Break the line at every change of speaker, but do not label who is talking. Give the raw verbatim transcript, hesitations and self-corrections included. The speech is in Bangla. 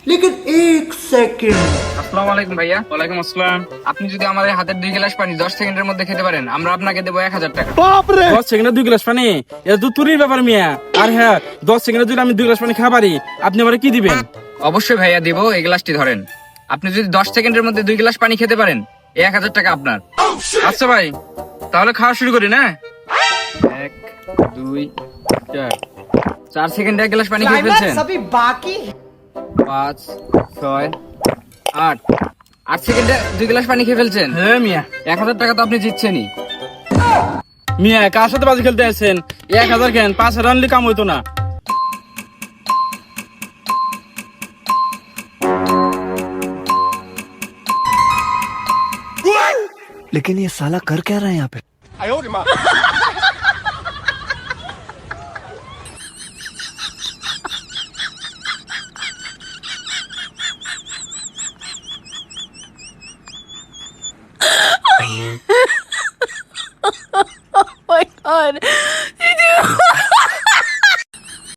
लेकिन एक सेकंड।
আসসালামু আলাইকুম ভাইয়া। ওয়ালাইকুম আসসালাম। আপনি যদি আমাদের হাতের দুই গ্লাস পানি দশ সেকেন্ডের মধ্যে খেতে পারেন, আমরা আপনাকে দেবো এক হাজার টাকা।
দশ সেকেন্ডে দুই গ্লাস পানি, এটা তো তুরির ব্যাপার মিয়া। আর হ্যাঁ, দশ সেকেন্ডে যদি আমি দুই গ্লাস পানি খাওয়া পারি, আপনি আমার কি দিবেন?
অবশ্যই ভাইয়া দিব, এই গ্লাসটি ধরেন। আপনি যদি দশ সেকেন্ডের মধ্যে দুই গ্লাস পানি খেতে পারেন, এই এক হাজার টাকা আপনার। আচ্ছা ভাই, তাহলে খাওয়া শুরু করি না? এক, দুই, চার। চার সেকেন্ডে এক গ্লাস পানি খেয়ে ফেলছেন।
अभी बाकी।
পাঁচ, ছয়, আট। আট সেকেন্ডে দুই গ্লাস পানি খেয়ে ফেলছেন।
হ্যাঁ মিয়া।
এক হাজার টাকা তো আপনি জিতছেনই।
মিয়া কার সাথে বাজি খেলতে আছেন? এক হাজার কেন, পাঁচ হাজার আনলে কাম হইতো না।
लेकिन ये साला कर क्या रहा है यहाँ पे?
Oh my god.